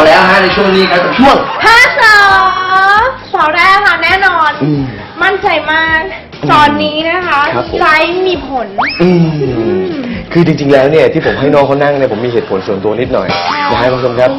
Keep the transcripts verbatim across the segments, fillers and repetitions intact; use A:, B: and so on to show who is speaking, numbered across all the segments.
A: มาแล้วฮะในช่วงนี้ครับช่วง
B: ห้าสาวสาวแรกค่ะแน่นอนมั่นใจมากตอนนี้นะคะไลฟ์มีผล
A: คือจริงๆแล้วเนี่ยที่ผมให้น้องเขานั่งเนี่ยผมมีเหตุผลส่วนตัวนิดหน่อยนะฮะคุณผู้ชมครับ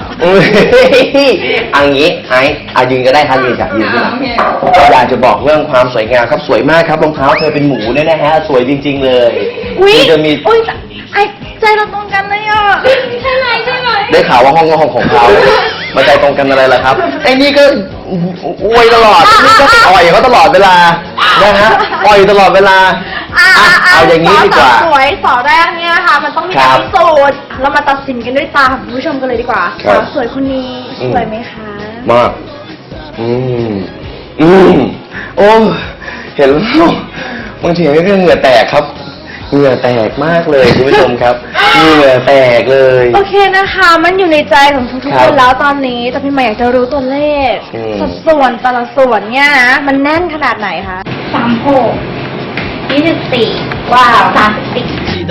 A: อันนี้ไอ้อายืนก็ได้ครับยืนครับยืนขึ้นอยากจะบอกเรื่องความสวยงามครับสวยมากครับรองเท้าเธอเป็นหมูเนี่ยนะฮะสวยจริงๆเลย
B: คือ
A: จะมี
B: อุ้ยไอ้ใจเราตรงกันเลยอ่ะใช่ไหมใช่ไหม
A: ได้ข่าวว่าห้องก็ห้องของเขามาใจตรงกันอะไรล่ะครับไอ้นี่ก็อวยตลอดนี่ก็อ่อยเขาตลอดเวลานะฮะอ่อยตลอดเวลาเอาอย่างนี้ดีกว่า
B: สวยสอแรกเนี่ยค่ะมันต้องมีการพิสูจน์เรามาตัดสินกันด้วยตาของผู้ชมกันเลยดีกว่าสาวสวยคนนี้สวยไหมคะ
A: มากอืมอืมโอ้เห็นแล้วบางทีก็เหงื่อแตกครับเหงื่อแตกมากเลยคุณผู้ชมครับเหงื่อแตกเลย
B: โอเคนะคะมันอยู่ในใจของทุกๆคนแล้วตอนนี้แต่พี่ใหม่อยากจะรู้ตัวเลขสัดส่วนแต่ละส่วนเนี่ยนะมันแน่นขนาดไหนคะ
C: สามหกยี่สิบสี่ว้าวสามสิบสี่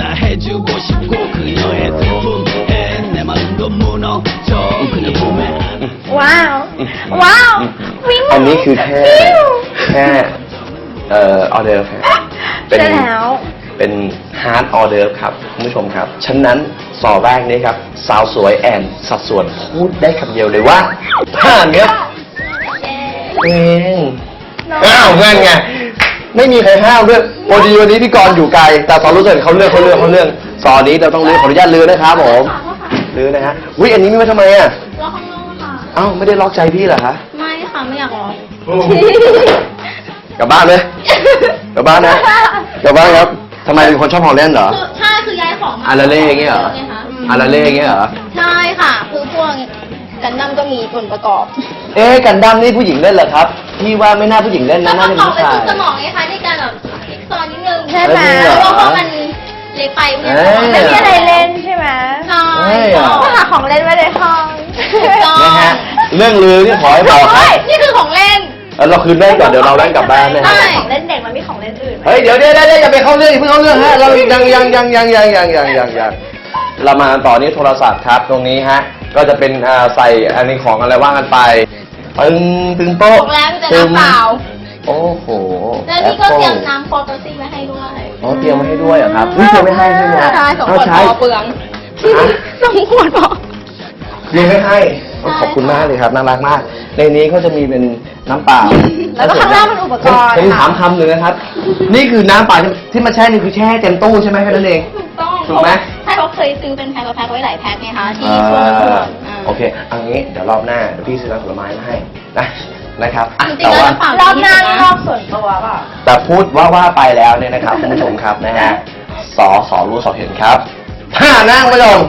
B: ว้าวว้าว
A: อันนี้คือแค่แค่เอ่อออเดอร์
B: เป็นแล้ว
A: เป็นฮาร์ดออเดอร์ครับคุณผู้ชมครับฉะนั้นสอแรกนี้ครับสาวสวยแอนสัดส่วนพูดได้คำเดียวเลยว่าผ่านครับเองอ้าวเงี้ยไงไม่มีใครห้ามด้วยพอดีวันนี้พี่กรณ์อยู่ไกลแต่สอนรู้สึกเขาเลือกเขาเลือกเขาเลือกสอนนี้เราต้องเลือกขออนุญาตลือนะครับผมลือนะฮะวิอันนี้ไม่มาทำไมอ่ะ
C: ล็อกข้างนอกค่ะ
A: อ้าวไม่ได้ล็อกใจพี่เหรอคะ
C: ไม่ค่ะไม่อยากล็อก
A: กลับบ้านเลยกลับบ้านนะกลับบ้านครับทำไมเป็นคนชอบของเล่นเหรอ
C: ใช่คือย้ายของ
A: อาราเล่อย่างเงี้ยเหรออาราเล่อย่างเงี้ยเหรอ
C: ใช่ค่ะคือพวกกันดั้มก็มีส่วนประกอบ
A: เอ๊ะกันดั้มนี่ผู้หญิงเล่นเหรอครับพี่ว่าไม่น่าผู้หญิงเล่นนะน่าเป็นผู้ชาย
C: สมองไงคะในการแบบคลิกซอนนิดนึงใช่ไหมเพราะว่ามันเล็กไป
B: ไม่มีอะไรเล่นใช่ไหม
C: ใช่
B: ก็หาของเล่นไว้ในห้อง
A: นะฮะเรื่องลือที่ขอให้บอกครับ
C: นี่คือของเล่น
A: เราคืนเล่นก่อนเดี๋ยวเราเล่นกลับบ้านนะ
B: ฮะของเล่นเด็กมันมีของเล่นอื่น
A: เฮ้ยเดี๋ยวเดี๋ยวเดี๋ยวอย่าไปเข้าเรื่องอย่าเพิ่งเข้าเรื่องฮะเรายังยังยังยังยังยังยังยังยังเรามาต่อนี้โทรศัพท์ครับตรงนี้ฮะก็จะเป็นใส่อันนี้ของอะไรว่างกันไปตึงตึงโป๊ะ
C: แล้วจะน้ำเปล่า
A: โอ้โห
C: แล้วนี่ก็เตรียมน้ำโฟโตซี่ไว้ให้ด้วย
A: อ๋อเตรียมไว้ให้ด้วยเหรอครับนี่เตรียมไม่ให้ใช่ไหม
C: ใช่สองขวดพอเปลืองสองขวดพอ
A: เตรียมไม่ให้ขอบคุณมากเลยครับน่ารักมากในนี้ก็จะมีเป็นน้ำเปล่า
B: แล้วก็ข้างล่างเป็นอุปกรณ์
A: ผมถามคำหนึ่งนะครับนี่คือน้ำเปล่าที่มาแช่นี่คือแช่เต็มตู้ใช่ไหมแค่นั้นเอง
C: ถูกต้อง
A: ถูกไหม
C: ใช่เขาเคยซื้อเป็นแพ็คกับแพ็คไว้หลายแพ็คไงคะที่ช่วง
A: โอเคเอางี้เดี๋ยวรอบหน้าเดี๋ยวพี่ซื้อน้ำผลไม้มาให้นะนะครับ
C: แต่ว่
B: ารอบหน้ารอบส่วนตัวป่ะ
A: แต่พูดว่าว่าไปแล้วเนี่ยนะครับคุณผู้ชมครับนะฮะสอสอรู้สอเห็นครับผ้านั่งไม่ลง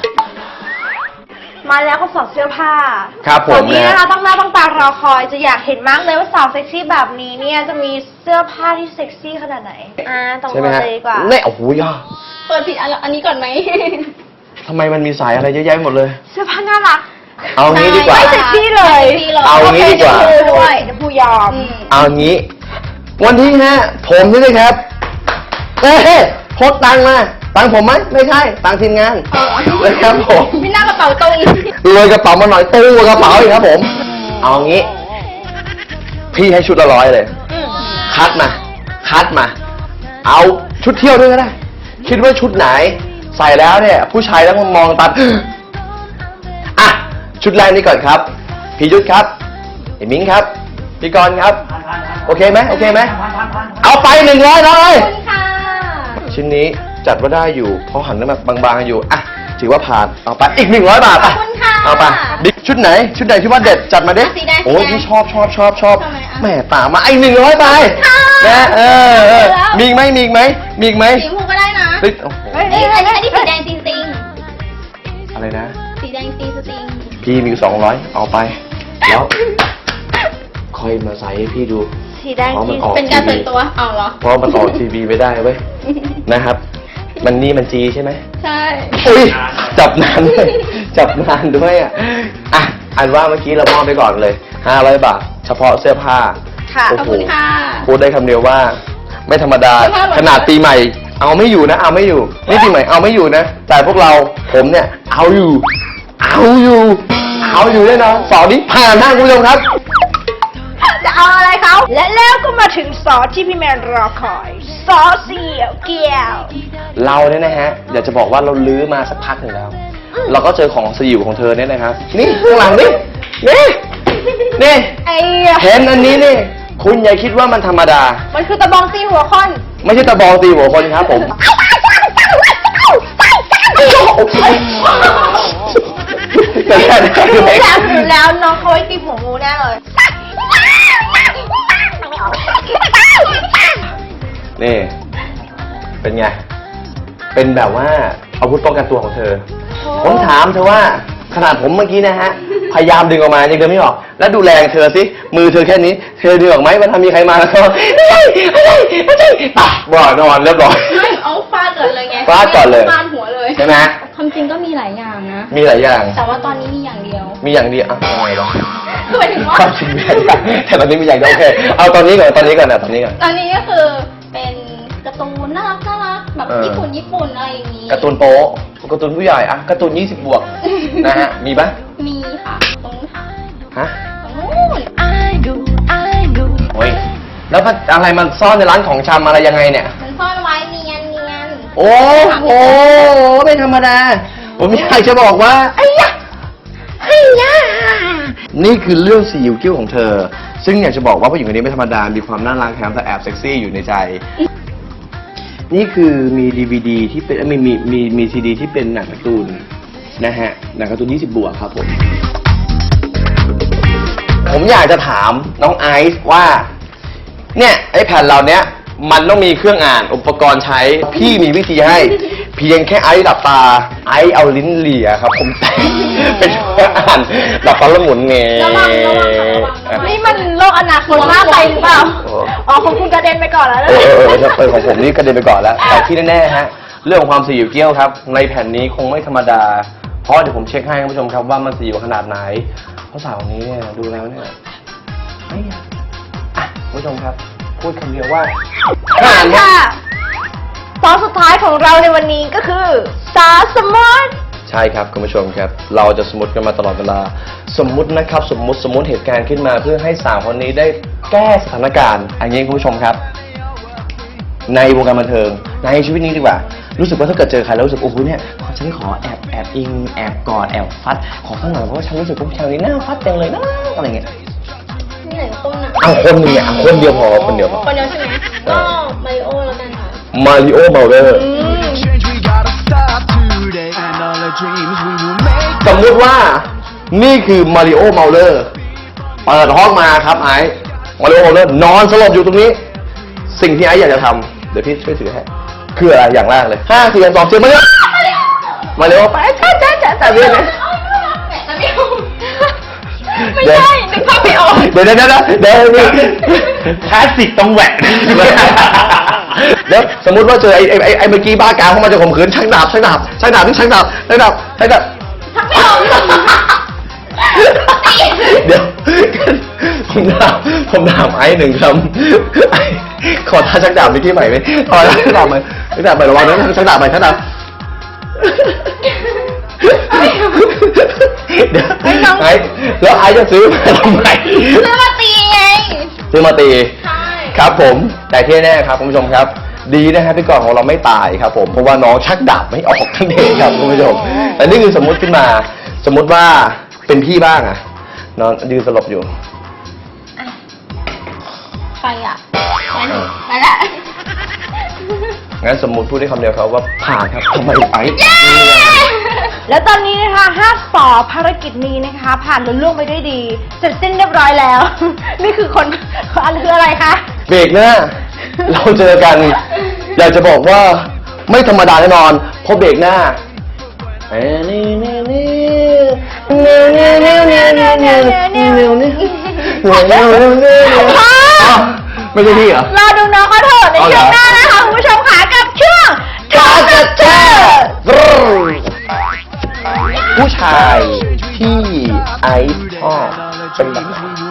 B: มาแล้วก็สอดเสื้อผ้า
A: ครับผม
B: ตอนนี้นะคะต้องหน้าต้องตารอคอยจะอยากเห็นมากเลยว่าสาวเซ็กซี่แบบนี้เนี่ยจะมีเสื้อผ้าที่เซ็กซี่ขนาดไหนอ่าต้องมาเลยดีกว่า
A: เนี่ยโอ้โหย่า
C: เปิดผิดอันนี้ก่อนไหม
A: ทำไมมันมีสายอะไรเยอะแยะหมดเลย
B: เสื้อผ้าน่ารัก
A: เอางี้ดีกว่า
B: ไม่เซ็กซี่เลย
A: เอางี้ดีกว่า
B: ด้วยจะพูยอม
A: เอางี้วันที่ฮะผมนี่เลยครับเอ๊ะโพสตังมาตังผมไหมไม่ใช่ตังทีมงานนะครับผม
C: ไม่น่ากระเป๋าตรง
A: เลยกระเป๋ามาหน่อยตู้กระเป๋าอีกครับผมเอางี้พี่ให้ชุดละร้อยเลยคัดมาคัดมาเอาชุดเที่ยวด้วยก็ได้คิดว่าชุดไหนใส่แล้วเนี่ยผู้ชายแล้วมองตาอ่ะชุดแรกนี้ก่อนครับพี่ยุทธครับไอ้มิ้งครับพี่กรณ์ครับโอเคไหมโอเคไหมเอาไปหนึ่งร้อยเลยชิ้นนี้จัดว่าได้อยู่เพราะหันแล้วแบบบางๆอยู่อ่ะถือว่าผ่านเอาไปอีกหนึ่งร้อยบาทไปเอาไปบิ๊กชุดไหนชุดไหนที่ว่าเด็ดจัดมาดิโอ้ยพี่ชอบชอบชอบชอบแม่ตามาไอ้หนึ่งร้อยไปนะเออมีไหมมีไหมมีไหม
C: สีชมพูก็ได้นะ
A: เฮ้ย
C: อันนี้อันนี้สีแดงจริง
A: ๆอะไรนะ
C: สีแดงจริงจริง
A: พี่มีสองร้อยเอาไปแล้วค่อยมาใส่ให้พี่ดู
B: สีแดงจริง
C: เป็นการส่วนตัวเอาเหรอ
A: เพราะมันออกทีวีไม่ได้เว้ยนะครับมันนี่มันจีใช่ไหม
C: ใช่
A: อุ้ยจับนานด้วยจับนานด้วยอ่ะอ่ะอันว่าเมื่อกี้เรามอบไปก่อนเลยห้าร้อยบาทเฉพาะเสื้อผ้า
B: ค่ะ
C: ขอบคุณค่ะ
A: พูดได้คำเดียวว่าไม่ธรรมดาขนาดปีใหม่เอาไม่อยู่นะเอาไม่อยู่นี่ปีใหม่เอาไม่อยู่นะแต่พวกเราผมเนี่ยเอาอยู่เอาอยู่เอาอยู่แน่นอนสอนนี้ผ่านนะคุณผู้ชมครับ
B: จะเอาอะไรเขาและแล้วก็มาถึงซอสที่พี่แมนรอคอยซอสเสี่ยวเกี๊ยว
A: เราเนี่ยนะฮะอยากจะบอกว่าเราลื้อมาสักพักหนึ่งแล้ว เราก็เจอของสยิวของเธอเนี่ยนะครับ นี่ข้างหลังนี่นี่นี่
B: ไอ้
A: เห็นอันนี้นี่คุณอย่าคิดว่ามันธรรมดา
B: มันคือตะบองตีหัวคอน
A: ไม่ใช่ตะบองตีหัวคนครับผมแต่แค่นี้ก็
B: รู้
A: เล็ก
B: แล้วรู้แล้วน้องเขาไว้ตีหัวงูแน่เลย
A: นี่ เป็นไง เป็นแบบว่าอาวุธป้องกันตัวของเธอ ผมถามเธอว่าขนาดผมเมื่อกี้นะฮะ พยายามดึงออกมายังดึงไม่ออก แล้วดูแรงเธอสิมือเธอแค่นี้ เธอดึงออกไหมมันทำมีใครมาแล้วก็ไม่ใช่ไม่ใช่ไม่ใช่ตับบ่อนอนเรียบร้อย
C: ไม่เอาฟาดก่อนเลยไง
A: ฟาดก่อนเลย
C: ฟาดหัวเลย
A: ใช่ไหม
C: ความจริงก็มีหลายอย่างนะ
A: มีหลายอย่าง
C: แต่ว่าตอนนี้มีอย่างเดียว
A: มีอย่างเดียวอ่ะอะไรวะ
C: คือหมายถึงว่า
A: ความจริงมีหลายอย่างแต่ตอนนี้มีอย่างเดียวโอเคเอาตอนนี้ก่อนตอนนี้ก่อนนะตอนนี้ก่อน
C: ตอนนี้ก็คือเป็นการ์ตูนน่ารักน่ารักแบบ
A: เออ
C: ญี่ปุ่นญี่ปุ่นอะไรอย่างนี้
A: การ์ตูนโป๊ะการ์ตูนผู้ใหญ่อะการ์ตูนยี่สิบบวกนะฮะมีปะ
C: มีค่ะตรงนู้นค่ะ
A: ฮะ
C: ตรงนู้น
A: โอ้ยแล้วมันอะไรมันซ่อนในร้านของชำอะไรยังไงเนี่ย
C: มันซ่อนไว้เนียนเนียน
A: โอ้โหไม่ธรรมดา ผมอยากจะบอกว่าไอ้ยะไอ้ยะนี่คือเรื่องสีอิวกิ้วของเธอ ซึ่งอยากจะบอกว่าผู้หญิงคนนี้ไม่ธรรมดา มีความน่ารักแถมแต่แอบเซ็กซี่อยู่ในใจ นี่คือมีดีวีดีที่เป็นมีมีมีมีซีดีที่เป็นหนังการ์ตูนนะฮะหนังการ์ตูนยี่สิบบวกครับผม ผมอยากจะถามน้องไอซ์ว่า เนี่ยไอ้แผ่นเราเนี้ยมันต้องมีเครื่องอ่านอุปกรณ์ใช้ พี่มีวิธีให้ เพียงแค่ไอซ์หลับตา ไอซ์เอาลิ้นเลียครับ ผมแต่เป็นเครื่องอ่านหลับตาแล้วหมุนเงย
C: ระวังระวังค่ะระวัง
B: นี่มันโลกอนาคตมากไปหรือเปล่า อ๋อของคุณกระเด็นไปก่อนแล้วนะ
A: เออเออเออเออของผมนี่กระเด็นไปก่อนแล้ว แต่ที่แน่ๆฮะ เรื่องของความสยิวเกี้ยวครับ ในแผ่นนี้คงไม่ธรรมดา เพราะเดี๋ยวผมเช็คให้คุณผู้ชมครับว่ามันสยิวขนาดไหน เพราะสาวคนนี้เนี่ยดูแล้วเนี่ยไอ้ยะอ่ะคุณผู้ชมครับ พูดคำเดียวว่าผ่านครับ
B: ค่ะซอสสุดท้ายของเราในวันนี้ก็คือซอสสมุน
A: ใช่ครับคุณผู้ชมครับ เราจะสมมติกันมาตลอดเวลา สมมุตินะครับ สมมุติสมมุติเหตุการณ์ขึ้นมาเพื่อให้สาวคนนี้ได้แก้สถานการณ์อันนี้คุณผู้ชมครับ ในวงการบันเทิงในชีวิตนี้ดีกว่า รู้สึกว่าถ้าเกิดเจอใครแล้วรู้สึกโอ้โหเนี่ยขอฉันขอแอบแอบอิงแอบกอดแอบฟัดขอข้างหลังเพราะว่าฉันรู้สึกว่าผู้ชายคนนี้น่าฟัดจังเลยนะอะไรเงี้ย
C: มีหนึ่งต้นนะ
A: เอาคนหนึงเนี่ยเอาคนเดียวพอคนเดียวพอ
C: คนเดียวใช่ไหมก็มาริโอแล้วกันค่ะ
A: มาริโอเบลเดอร์
D: Change, we gotta stop today. And all the dreams we will make.
A: สมมุติว่านี่คือมาริโอเมาเลอร์เปิดห้องมาครับไอ้มาริโอเมาเลอร์นอนสลบอยู่ตรงนี้ สิ่งที่ไอ้อยากจะทำเดี๋ยวพี่ช่วยถือให้คืออะไรอย่างแรกเลยห้าสี่สองเจ็ดมาเลยมาริโอไปจ้าจ้าจ้าจ้าเรื่องนี้
C: ไม่ใช่นึกภาพไม่ออก
A: เดี๋ยวเดี๋ยวเดี๋ยวเดี๋ยวเดี๋ยวคลาสสิกต้องแหวกแล้วสมมุติว่าเจอไอ้ไอ้ไอ้เมื่อกี้บ้ากามเข้ามาจะข่มขืนชักดาบชักดาบชักดาบนี่ชักดาบชักดาบชักดาบ
C: ทักไม่ออก
A: เดี๋ยวผมถามผมถามไอ้หนึ่งคำไอ้ขอท่าชักดาบไปที่ใหม่ไหมขอท่าชักดาบใหม่ชักดาบใหม่ระวังนะชักดาบใหม่ชักดาบเดี๋ยวไอ้แล้วไอ้จะซื้อมาทำไม
C: ซื้อมาตีไง
A: ซื้อมาตี
C: ใช่
A: ครับผมแต่ที่แน่ครับคุณผู้ชมครับ ดีนะฮะพี่กรณ์ของเราไม่ตายครับผมเพราะว่าน้องชักดาบไม่ออกทั้งเองครับคุณผู้ชมแต่นี่คือสมมุติขึ้นมา สมมุติว่าเป็นพี่บ้างอะนอนยืนสลบอยู่
C: ใครอ่ะมาละ
A: งั้นสมมุติพูดได้คำเดียวครับว่าผ่านครับทำไมไอ้
B: แล้วตอนนี้นะคะห้าสอภารกิจนี้นะคะ ผ่านลุล่วงไปด้วยดี เสร็จสิ้นเรียบร้อยแล้ว นี่คือคนอันคืออะไรคะ
A: เบรกหน้าเราเจอกัน อยากจะบอกว่าไม่ธรรมดาแน่นอนเพราะเบรกหน้าเอ้ยนี่นี่นี่นี่นี่นี่นี่นี่นี่นี่นี่นี่ไม่ใช่พี่เหรอ
B: รอดูน้องเขาเถอะในช่วงหน้านะคะคุณผู้ชมค่ะกับช่วง Talk the Talk
A: ผู้ชายที่ไอซ์ชอบเป็นแบบไหน